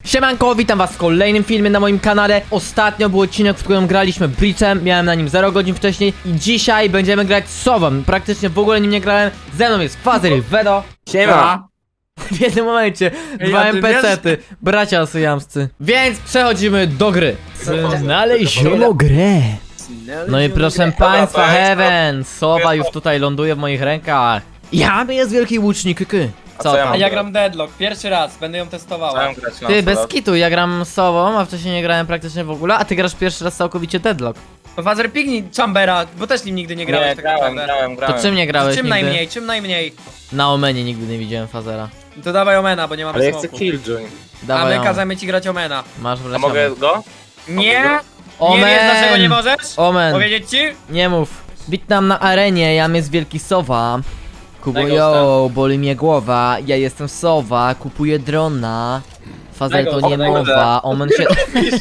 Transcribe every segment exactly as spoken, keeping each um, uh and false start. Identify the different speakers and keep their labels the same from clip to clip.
Speaker 1: Siemanko, witam was w kolejnym filmie na moim kanale. Ostatnio był odcinek, w którym graliśmy Breachem. Miałem na nim zero godzin wcześniej. I dzisiaj będziemy grać Sową. Praktycznie w ogóle nim nie grałem. Ze mną jest Fazer i Vedo.
Speaker 2: Siema!
Speaker 1: W jednym momencie dwa
Speaker 2: Ej, a ty
Speaker 1: N P C-ty, bracia syjamscy. Więc przechodzimy do gry. Znaleziono grę. No i proszę państwa, Heaven, Sowa już tutaj ląduje w moich rękach. Ja jest wielki łucznik, ky. Co
Speaker 2: co ja
Speaker 1: tam?
Speaker 2: mam?
Speaker 3: A ja gram Deadlock, pierwszy raz, będę ją testowała.
Speaker 2: Chciałem grać na
Speaker 1: Ty, bez
Speaker 2: solo.
Speaker 1: kitu, ja gram Sową, a wcześniej nie grałem praktycznie w ogóle, a ty grasz pierwszy raz całkowicie Deadlock.
Speaker 3: Fazer pignij Chambera, bo też nim nigdy nie grałeś
Speaker 2: Nie,
Speaker 3: tak
Speaker 2: grałem,
Speaker 3: naprawdę.
Speaker 2: grałem, grałem.
Speaker 1: To czym nie grałeś
Speaker 3: Czym
Speaker 1: nigdy?
Speaker 3: najmniej, czym najmniej.
Speaker 1: Na Omenie nigdy nie widziałem Fazera.
Speaker 3: To dawaj Omena, bo nie mamy
Speaker 2: Ale ja chcę
Speaker 3: smoku.
Speaker 2: Killjoy.
Speaker 3: A
Speaker 1: Dawaj
Speaker 3: my
Speaker 1: ją.
Speaker 3: kazamy ci grać Omena.
Speaker 1: Masz
Speaker 2: A
Speaker 1: wleciamy.
Speaker 2: mogę go?
Speaker 3: Nie!
Speaker 1: Omen!
Speaker 3: Nie wiesz dlaczego nie możesz?
Speaker 1: Omen!
Speaker 3: Powiedzieć ci?
Speaker 1: Nie mów. Witam na arenie, jam jest wielki Sowa. Kubo
Speaker 3: Daj go,
Speaker 1: yo, boli mnie głowa, ja jestem Sowa, kupuję drona. Fazel
Speaker 3: Daj go,
Speaker 1: to nie
Speaker 2: daj go,
Speaker 1: mowa, Omen się...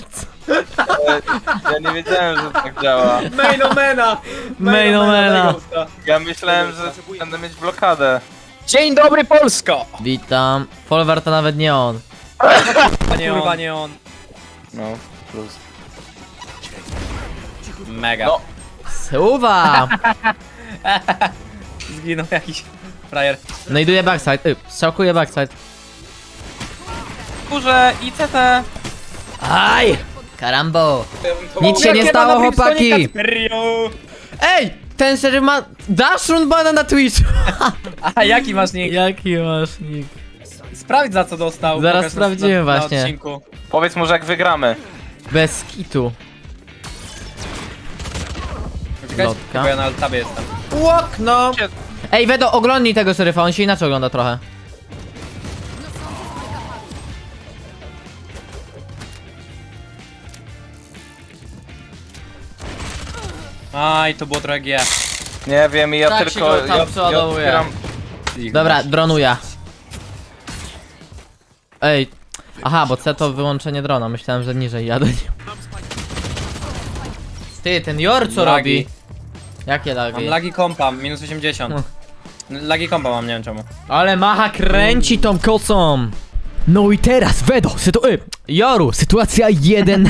Speaker 2: Ja nie wiedziałem, że tak działa.
Speaker 3: Main Omena!
Speaker 1: Main Omena.
Speaker 2: Ja myślałem, że będę mieć blokadę.
Speaker 3: Dzień dobry Polsko!
Speaker 1: Witam. Folwar to nawet nie on.
Speaker 3: Panie Kurwa nie on.
Speaker 2: No, plus.
Speaker 3: Mega.
Speaker 2: No.
Speaker 1: Suwa!
Speaker 3: Zginął jakiś frajer.
Speaker 1: No iduję backside, y, strzałkuję backside.
Speaker 2: Kurze i C T.
Speaker 1: Aj! Karambo! Nic się nie
Speaker 3: Jakie
Speaker 1: stało,
Speaker 3: ma na Brimstone
Speaker 1: chłopaki!
Speaker 3: Kacperio?
Speaker 1: Ej! Ten sery ma... Dash run bana na Twitchu!
Speaker 3: A jaki masz nick?
Speaker 1: Jaki masz nick?
Speaker 3: Sprawdź za co dostał.
Speaker 1: Zaraz
Speaker 3: Pokaż na-
Speaker 1: sprawdzimy
Speaker 3: na, na
Speaker 1: właśnie.
Speaker 3: odcinku.
Speaker 2: Powiedz mu, że jak wygramy.
Speaker 1: Bez kitu.
Speaker 3: Czekaj,
Speaker 1: Lotka.
Speaker 3: bo ja na altabie jestem.
Speaker 1: Łokno! Ej, Vedo, oglądnij tego seryfa, on się inaczej ogląda trochę.
Speaker 3: Aj, to było trochę G.
Speaker 2: Nie wiem, ja
Speaker 1: Tak się
Speaker 2: tylko...
Speaker 1: go tam
Speaker 2: ja,
Speaker 1: przeładowuje.
Speaker 2: ja
Speaker 1: Dobra, dronuję. Ej. Aha, bo C to wyłączenie drona, myślałem, że niżej jadę. Ty, ten Jor co
Speaker 3: Lagi.
Speaker 1: robi? Jakie
Speaker 3: Mam
Speaker 1: lagi?
Speaker 3: lagi kompa, minus osiemdziesiąt. Lagi kompa mam, nie wiem czemu.
Speaker 1: Ale Macha kręci tą kocą. No i teraz, Vedo, sytu... Y, Joru, sytuacja jeden.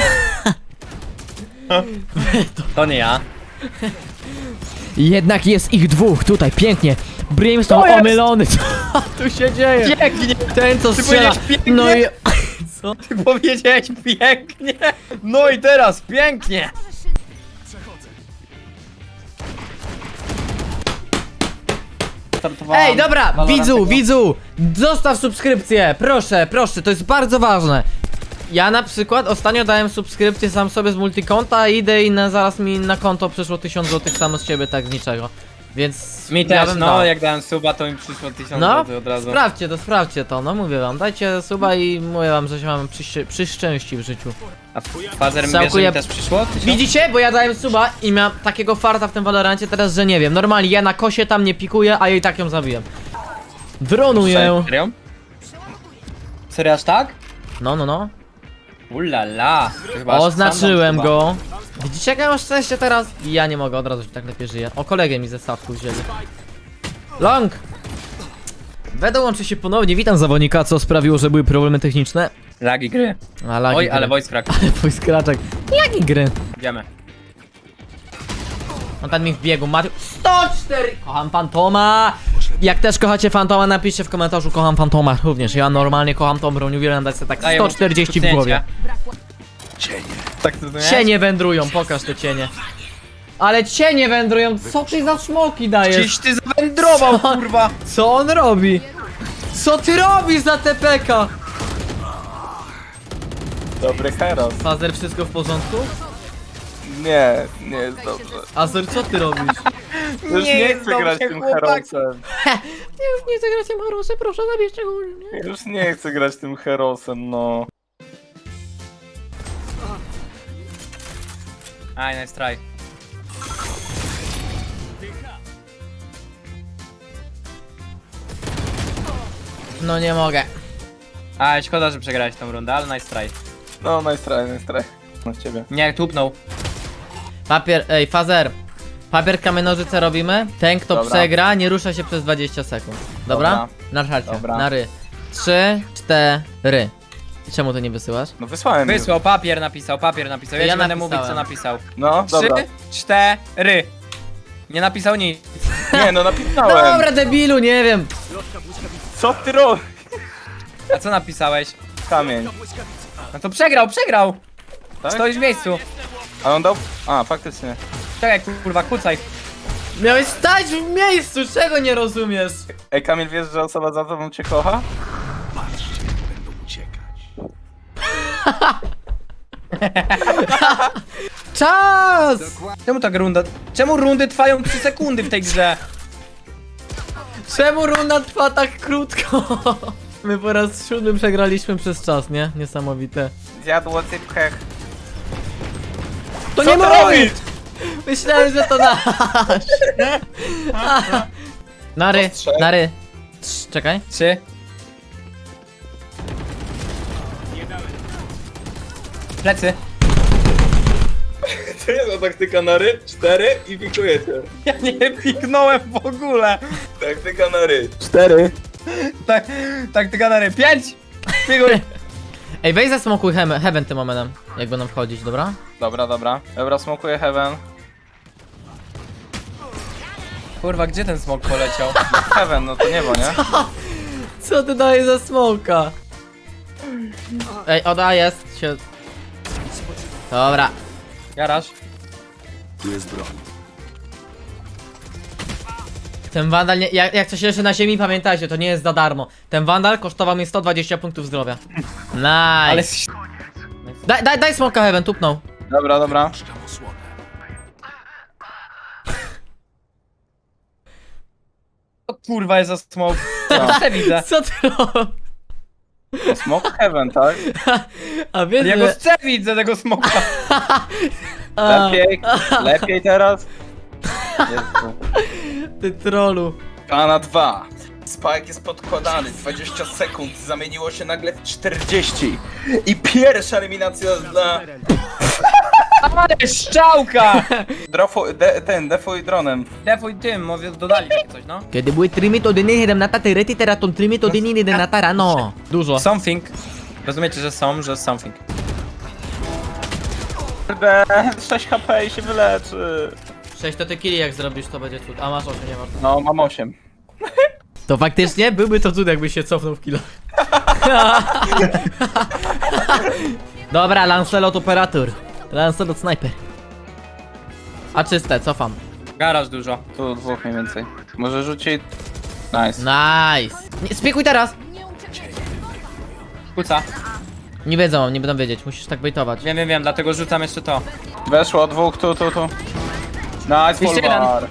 Speaker 3: To nie ja.
Speaker 1: Jednak jest ich dwóch, tutaj, pięknie.
Speaker 3: To
Speaker 1: Brimstone
Speaker 3: jest!
Speaker 1: omylony, co tu się dzieje?
Speaker 3: Pięknie!
Speaker 1: Ten co
Speaker 3: Ty
Speaker 1: strzela.
Speaker 3: powiedziałeś pięknie?
Speaker 1: No i... Co?
Speaker 3: Ty powiedziałeś pięknie! No i teraz pięknie! Startowałam
Speaker 1: Ej, dobra,
Speaker 3: Valorantego.
Speaker 1: widzu, widzu, zostaw subskrypcję, proszę, proszę, to jest bardzo ważne. Ja na przykład ostatnio dałem subskrypcję sam sobie z multikonta, idę i na, zaraz mi na konto przyszło tysiąc złotych samo z ciebie, tak z niczego. Więc
Speaker 3: Mi
Speaker 1: ja
Speaker 3: też,
Speaker 1: bym
Speaker 3: no,
Speaker 1: dał.
Speaker 3: jak dałem suba, to mi przyszło tysiąc
Speaker 1: No,
Speaker 3: złotych od razu.
Speaker 1: sprawdźcie to, sprawdźcie to, no mówię wam, dajcie suba i mówię wam, że się mamy przy, przy szczęści w życiu.
Speaker 3: A fazer mi, wiesz, że
Speaker 1: Całkuję-
Speaker 3: mi też przyszło? tysiąc?
Speaker 1: Widzicie? Bo ja dałem suba i miałem takiego farta w tym Valorancie teraz, że nie wiem. Normalnie ja na kosie tam nie pikuję, a jej tak ją zabiłem. Dronuję.
Speaker 3: Serio? Serio aż tak?
Speaker 1: No, no, no.
Speaker 3: Ulala. To chyba aż
Speaker 1: Oznaczyłem
Speaker 3: sam dam
Speaker 1: go. Widzicie jak ja mam szczęście teraz? I ja nie mogę, od razu się tak lepiej żyję. O, kolegę mi ze stawku wzięli. Long! Vedo łączy się ponownie, witam zawodnika, co sprawiło, że były problemy techniczne.
Speaker 3: suba. Lagi gry.
Speaker 1: A, lagi
Speaker 3: Oj,
Speaker 1: gry.
Speaker 3: ale voice crack.
Speaker 1: Ale twój skraczek. Jaki gry?
Speaker 3: Idziemy.
Speaker 1: On tam mi w biegu, Matiu. sto cztery! Kocham Fantoma! Jak też kochacie Fantoma, napiszcie w komentarzu kocham Fantoma również. Ja normalnie kocham tą broń, uwielbiam dać sobie tak
Speaker 3: Daję
Speaker 1: sto czterdzieści w
Speaker 3: mu
Speaker 1: głowie.
Speaker 3: Tak to nie?
Speaker 1: Cienie wędrują, pokaż te cienie. Ale cienie wędrują, co ty za szmoki dajesz?
Speaker 3: Czyś ty zawędrował,
Speaker 1: Co?
Speaker 3: kurwa!
Speaker 1: Co on robi? Co ty robisz za T P K?
Speaker 2: Dobry heros.
Speaker 1: Fazer, wszystko w porządku?
Speaker 2: Nie, nie jest dobrze.
Speaker 1: Azer, co ty robisz?
Speaker 2: Już nie,
Speaker 3: jest
Speaker 2: chcę grać
Speaker 3: dobrze,
Speaker 2: tym
Speaker 3: chłopak.
Speaker 2: herosem.
Speaker 1: Nie, już nie chcę grać tym Harosem, proszę zabierzcie go. Nie?
Speaker 2: Już nie chcę grać tym herosem, no.
Speaker 3: Aj, nice try.
Speaker 1: No nie mogę.
Speaker 3: Aj, szkoda, że przegrałeś tą rundę, ale nice try.
Speaker 2: No, nice try, nice try. No ciebie.
Speaker 3: Nie, tupnął.
Speaker 1: Papier, ej, Fazer. Papier, kamień, nożyce robimy. Ten, kto
Speaker 2: Dobra.
Speaker 1: przegra, nie rusza się przez dwadzieścia sekund. Dobra?
Speaker 2: Dobra.
Speaker 1: Na szarcie.
Speaker 2: Dobra.
Speaker 1: Na ry. Trzy, cztery. Czemu to nie wysyłasz?
Speaker 2: No wysłałem już.
Speaker 3: Wysłał, papier napisał, papier napisał. Ja,
Speaker 1: Ja
Speaker 3: ci będę
Speaker 1: napisałem.
Speaker 3: mówić, co napisał.
Speaker 2: No, dobra.
Speaker 3: Trzy, cztery. Nie napisał nic.
Speaker 2: Nie, no napisałem.
Speaker 1: Dobra, debilu, nie wiem.
Speaker 2: Co ty robisz?
Speaker 3: A co napisałeś?
Speaker 2: Kamień.
Speaker 3: No to przegrał, przegrał.
Speaker 2: Tak?
Speaker 3: Stoisz w miejscu.
Speaker 2: A on dał... A, faktycznie.
Speaker 3: Czekaj, kurwa, kucaj.
Speaker 1: Miałeś stać w miejscu, czego nie rozumiesz?
Speaker 2: Ej, Kamil, wiesz, że osoba za tobą cię kocha?
Speaker 1: Czas!
Speaker 3: Czemu tak runda... Czemu rundy trwają trzy sekundy w tej grze?
Speaker 1: Czemu runda trwa tak krótko? My po raz siódmy przegraliśmy przez czas, nie? Niesamowite.
Speaker 2: Zjadło cypkę.
Speaker 1: To
Speaker 2: Co
Speaker 1: nie
Speaker 2: ty
Speaker 1: mój!
Speaker 2: robisz?
Speaker 1: Myślałem, że to nasz! Nary,
Speaker 2: Ostrzej.
Speaker 1: nary. Trz, czekaj.
Speaker 3: Trzy. Plecy.
Speaker 2: To jest ta taktyka na ry, cztery i pikujecie.
Speaker 3: Ja nie piknąłem w ogóle.
Speaker 2: Taktyka na ry. Cztery.
Speaker 3: Tak, tak ty gadary. Pięć! Pikuj.
Speaker 1: Ej, weź zasmokuj he heaven tym momentem, jak będą wchodzić, dobra?
Speaker 2: Dobra, dobra. Dobra, smokuję heaven.
Speaker 3: Kurwa, gdzie ten smok poleciał?
Speaker 2: Heaven, no to niebo, nie?
Speaker 1: Co ty dajesz za smoka? Ej, oda jest się... Dobra.
Speaker 3: Garaż.
Speaker 1: Ten wandal, nie, jak, jak coś leży na ziemi, pamiętajcie, to nie jest za darmo. Ten wandal kosztował mi sto dwadzieścia punktów zdrowia. Nice.
Speaker 3: Ale...
Speaker 1: Daj, daj, daj smoka heaven, tupnął.
Speaker 2: Dobra, dobra.
Speaker 3: O kurwa jest za smok.
Speaker 2: Co?
Speaker 3: Ja widzę.
Speaker 1: Co ty robisz?
Speaker 2: To smoke heaven, tak?
Speaker 1: A wiesz,
Speaker 3: Ja go
Speaker 1: że...
Speaker 3: chcę widzę tego smoka.
Speaker 1: A,
Speaker 2: Lepiej, lepiej teraz. Jezu.
Speaker 1: ty trolu.
Speaker 2: Kana dwa. Spike jest podkładany, dwadzieścia sekund, zamieniło się nagle w czterdzieści. I pierwsza eliminacja dla...
Speaker 3: Ale szczałka!
Speaker 2: Drofo, de, ten, defuj dronem.
Speaker 3: Defuj tym, mówię, dodali takie coś, no.
Speaker 1: Kiedy były trimit odyny siedemnasta terety teraton trimit odyny jedenasta rano. Dużo.
Speaker 3: Something. Rozumiecie, że są, że something.
Speaker 2: Kurde, sześć H P i się wyleczy.
Speaker 1: sześć to ty killi jak zrobisz, to będzie cud. A masz osiem, nie masz.
Speaker 2: No, mam osiem.
Speaker 1: To faktycznie byłby to cud, jakbyś się cofnął w kilo. Dobra, Lancelot operator. Lancelot sniper. A czyste, cofam.
Speaker 3: Garaż dużo.
Speaker 2: Tu dwóch mniej więcej. Może rzucić... Nice.
Speaker 1: Nice. Nie, spiekuj teraz!
Speaker 3: Kuca.
Speaker 1: Nie wiedzą, nie będą wiedzieć, musisz tak bejtować.
Speaker 3: Wiem, wiem, wiem, dlatego rzucam jeszcze to.
Speaker 2: Weszło dwóch, tu, tu, tu. Nice, full
Speaker 3: Jeszcze jeden.
Speaker 2: bar.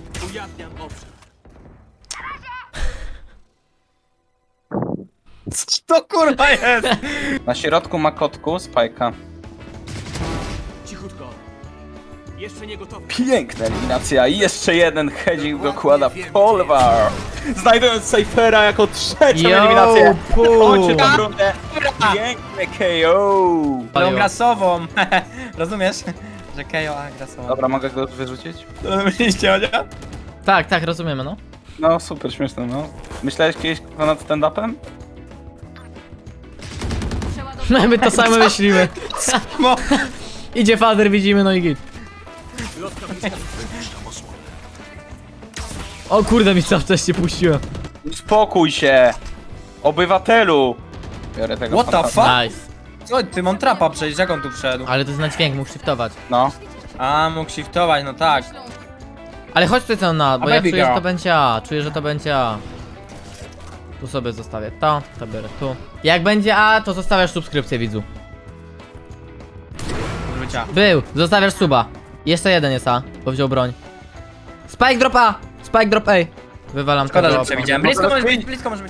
Speaker 3: Co to kurwa jest?
Speaker 2: Na środku ma kotku, spajka.
Speaker 4: Cichutko. Jeszcze nie gotowy.
Speaker 2: Piękna eliminacja i jeszcze jeden hedzik dokłada Polvar. Znajdując Cyphera jako trzecią
Speaker 1: Yo,
Speaker 2: eliminację.
Speaker 1: pu.
Speaker 2: Chodźcie tą rundę. Piękne K O.
Speaker 3: Tą grasową. Rozumiesz? Że Kejo, a grasową.
Speaker 2: Dobra, mogę go wyrzucić?
Speaker 3: To myśliście, Odzia?
Speaker 1: Tak, tak, rozumiemy, no.
Speaker 2: No, super śmieszne, no. Myślałeś kiedyś nad stand-upem?
Speaker 1: My to samo myślimy.
Speaker 3: Mo-
Speaker 1: Idzie fader, widzimy, no i git. O kurde, mi co wcześniej puściłem.
Speaker 2: Uspokój się! Obywatelu! Biorę tego
Speaker 3: What the
Speaker 2: fantazma.
Speaker 3: fuck?
Speaker 1: Nice.
Speaker 3: Co ty, mam trapa przejść, jak on tu wszedł?
Speaker 1: Ale to jest na dźwięk, mógł shiftować.
Speaker 2: No.
Speaker 3: A, mógł shiftować, no tak.
Speaker 1: Ale chodź tutaj co na, bo
Speaker 3: A
Speaker 1: ja
Speaker 3: baby
Speaker 1: czuję, że
Speaker 3: girl.
Speaker 1: to będzie A, czuję, że to będzie A. Tu sobie zostawię to, to biorę tu. Jak będzie A, to zostawiasz subskrypcję, widzu.
Speaker 3: Wrócia.
Speaker 1: Był, zostawiasz suba. Jeszcze jeden jest A, bo wziął broń. Spike drop A! Spike drop A! Wywalam
Speaker 3: Szkoda,
Speaker 1: tego.
Speaker 3: że przewidziałem. Blisko może być, blisko może być.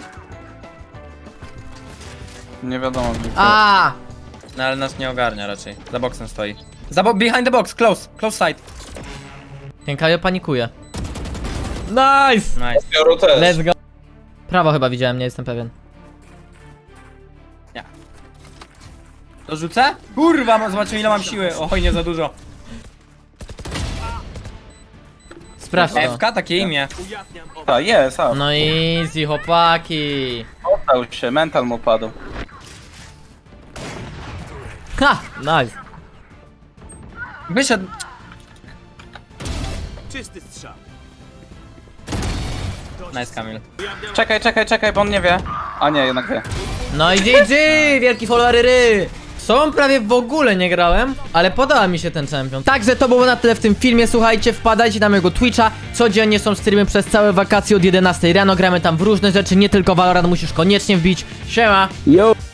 Speaker 2: Nie wiadomo. gdzie to.
Speaker 1: A!
Speaker 3: No ale nas nie ogarnia raczej. Za boksem stoi. Za bo behind the box, close, close side.
Speaker 1: Ten Kajo panikuje. Nice!
Speaker 3: Nice.
Speaker 2: Bioru też.
Speaker 1: Let's go. Prawo chyba widziałem, nie jestem pewien.
Speaker 3: To rzucę? Kurwa, mo- zobaczymy ile mam siły. Oj, nie za dużo.
Speaker 1: Sprawdź to.
Speaker 3: F K, takie imię.
Speaker 4: Ujawniam obraz.
Speaker 2: Ta, jest, a.
Speaker 1: No easy, chłopaki.
Speaker 2: Oddał się, mental mu padł.
Speaker 1: Ha! Nice.
Speaker 3: Wyszedł.
Speaker 4: Czysty strzał.
Speaker 3: Nice, Kamil.
Speaker 2: Czekaj, czekaj, czekaj, bo on nie wie. A nie, jednak wie.
Speaker 1: No i G G! Wielki followery! Są prawie w ogóle nie grałem, ale podoba mi się ten champion. Także to było na tyle w tym filmie, słuchajcie, wpadajcie na mojego Twitcha. Codziennie są streamy przez całe wakacje od jedenastej rano, gramy tam w różne rzeczy, nie tylko Valorant, musisz koniecznie wbić. Siema!
Speaker 2: Yo!